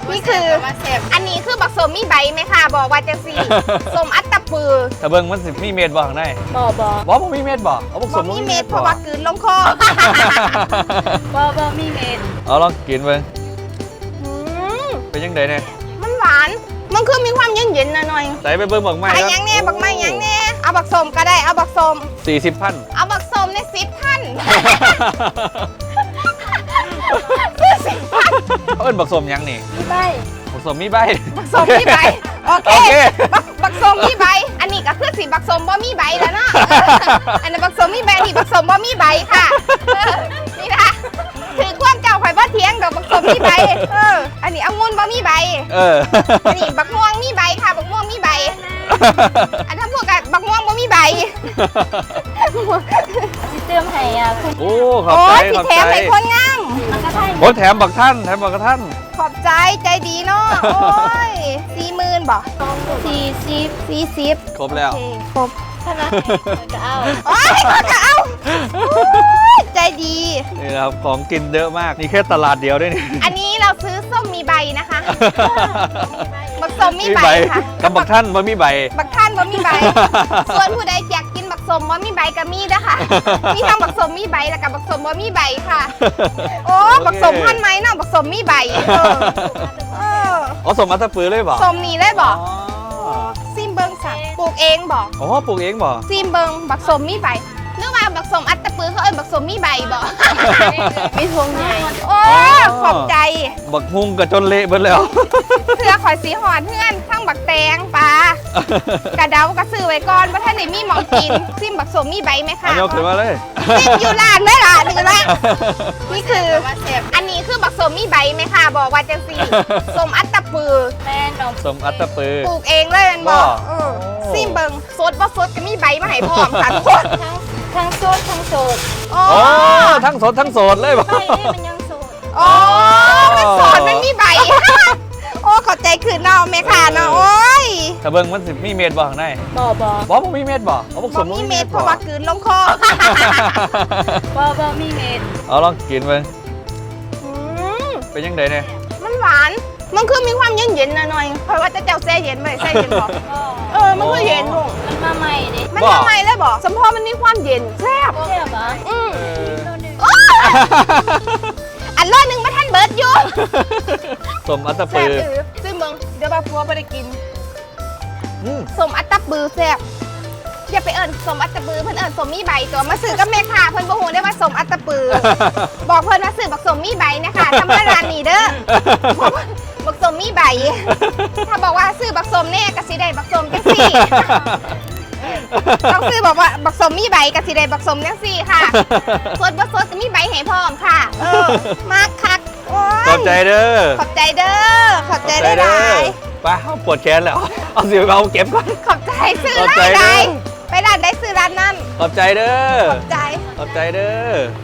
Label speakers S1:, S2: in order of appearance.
S1: นี่คืออันนี้คือบักสมมีใบไหมคะบอกว่าจังสี่สมอัตตปือ
S2: ถ้าเบิ่งมันสิมีเม็ดบ่ข้างใน
S1: บอบอ
S2: บ่มีเม็ดบ่เอาบักส
S1: บอ
S2: ม
S1: มีเม็ดเพราะว่ากลืนลงคอบ
S3: อมีเม็ด
S2: เอาลองกินเบิ่ง
S1: อืม
S2: เป็นยังไงเนี่ย
S1: มันหวานมันคือมีความเย็นๆหน่อย
S2: ใส่ไปเบิ่งบักไม้
S1: ๆไอ้ยังแน่บักไม้ยังแน่เอาบักสมก็ได้เอาบักสม
S2: 40,000
S1: เอาบักสมใน10 ท่าน
S2: เอิ้นบักสมยังนี่
S3: มีใบ
S2: บักสมมีใบ
S1: บักสมมีใบโอเค
S2: โอเค
S1: บักสมมีใบอันนี้ก็คือสีบักสมบ่มีใบแล้วเนาะอันนี้บักสมมีใบอันนี้บักสมบ่มีใบค่ะนี่นะถือความเจ้าข่อยบ่เถียงดอกบักสมมีใบอันนี้องุ่นบ่มีใบ อันนี้บักม่วงมีใบค่ะบักม่วงมีใบ อันทั้งพวกกับบักม่วงบ่มีใบ
S3: ที่เติมให้คุณ
S2: โอ้ขอบ
S1: โอ้
S2: ใจ
S1: ยสิ
S2: ขอบ
S1: แถ
S2: ใจ
S1: มให้คนงาม
S3: มันก็ได้
S2: โอ้แถมบักท่านแถมบักท่าน
S1: ขอบใจใจดีเนาะโอ้ย40,000บ่ 40
S2: ครบแล้ว
S1: โอเคครบ
S3: ขนาดก็เอา
S1: โอ้ยก็เอาโอ้ยใจดี
S2: นี่นะครับของกินเยอะมากนี่แค่ตลาดเดียวด้วยนี่
S1: อันนี้เราซื้อส้มมีใบนะคะ บักส้มมีใบค่ะ
S2: กับบักท่านว่ามีใบ
S1: บักท่านบ่มีใบ ส่วนผู้ใดอยากกินบักส้มบ่มีใบก็มีนะคะ มีทั้งบักส้มมีใบแล้วก็บักส้มบ่มีใบค่ะ โอ้บักส้มพันธุ์ไหมเนาะบักส้มมีใบเออ
S2: อ๋อสมอัตตปือเลยบ่
S1: ส้มนี่เลยบ่
S2: อ๋อ
S1: ซิมเบิงสั่งปลูกเองบ่
S2: อ๋อปลูกเองบ่
S1: ซิมเบิงบักส้มมีใบนึกว่าบักส้มอัตตปือเขาเอิ้นบักส้มมีใบบ่
S3: มีทงใหญ่
S1: โอ้ขอบใจ
S2: บักฮุงกับจนเละเบิดแล้ว
S1: เสื้อข่อยสีหอดเพื่อนทั้งบักแตงปลากระเดากระซื้อไว้ก่อนว่าท่านได้มีหมองกิน ซิมบักสมมีใบไหม
S2: อั
S1: คะ
S2: นยกขึ้นมาเลย
S1: ซิมอยู่ร้านไหมล่ะนี่ละนี่คือ อันนี้คือบักสมมีใบไหมคะบอกว่าจังสี่สมอัตตปือ
S3: แม่นม
S2: สมอัตตปือ
S1: ปลูกเองเลยมันบอก
S2: บ่
S1: ซิมเบิงสดบ่สดก็มีใบมาให้พร้อมค่ะทุกคน
S3: ทั้งโซดทั้งโสด
S1: โอ้
S2: โอ้ทั้งสดทั้งโสดเลยบ่
S3: ใบนี่มันยังโสด
S1: โอ้มันสดมันมีใบ โอ้ขอบใจคืนเนาะแม่ค่ะเนาะโอ้ย
S2: ถ้าเบิ่งมันสิมีเม็ดบ่ข้างใน
S3: บอบอ
S2: บ่มีเม็ดบ่เอาบักส
S1: บ่
S2: ม
S1: มีเม็ดเพราะว่ากลืนลงคอ
S3: บอมีเม็ด
S2: เอาลองกินเบิ่ง
S1: อืม
S2: เป็นยังไงเนี่ย
S1: มันหวาน มันคือมีความเย็นๆหน่อยๆเพราะว่าจะเจ้าแซ่เย็นไปแซ่เย็นบอกมันคือเย็นลูก
S3: มันมาใหม่ดิ
S1: มันทำไมเลยบอกสมพอมันมีความเย็นแซ่บ
S3: ใช่ปะ
S1: อืม
S3: ตัวหนึ่ง
S1: โอ้ยอันรอดหนึ่งมาท่านเบิร์ดอยู่
S2: สมอัตต
S1: แซ่
S2: ปื
S1: บ
S2: อ
S1: ซึ่งเบิงเดี๋ยวบาพัวไม่ได้กิน
S2: อืม
S1: สมอัตตบือแซ่บอย่าไปเอิญสมอัตตบือเพิ่นเอิญสมมีใบตัวมาซื้อกับแม่ค่ะเพิ่นบ่ฮู้ได้ว่าสมอัตตบือ บอกเพิ่นว่าซื้อบักสมมีใบนะคะทำเพื่อร้านนี้เด้อ บักสมมีใบ ถ้าบอกว่าซื้อบักสมแน่กะสิได้บักสมจังสี่ ต้องซื้อบอกว่าบักสมมีใบกะสิได้บักสมจังสี่ค่ะ สดบ่สดจะมีใบให้พร้อมค่ะ มากคักโอ้ย
S2: ขอบใจเด้อ
S1: ขอบใจเด้อ ขอบใจได้หลาย
S2: ไปเอาปวดแขนแล้ว เอาสิเอาเก็บก่อน
S1: ขอบใจซื้อ
S2: ขอบใจ
S1: ร้านใด
S2: เด้อ
S1: ไปร้านใดซื้อร้านนั้น
S2: ขอบใจเด้อ
S1: ขอบใจ
S2: ขอบใจเด้อ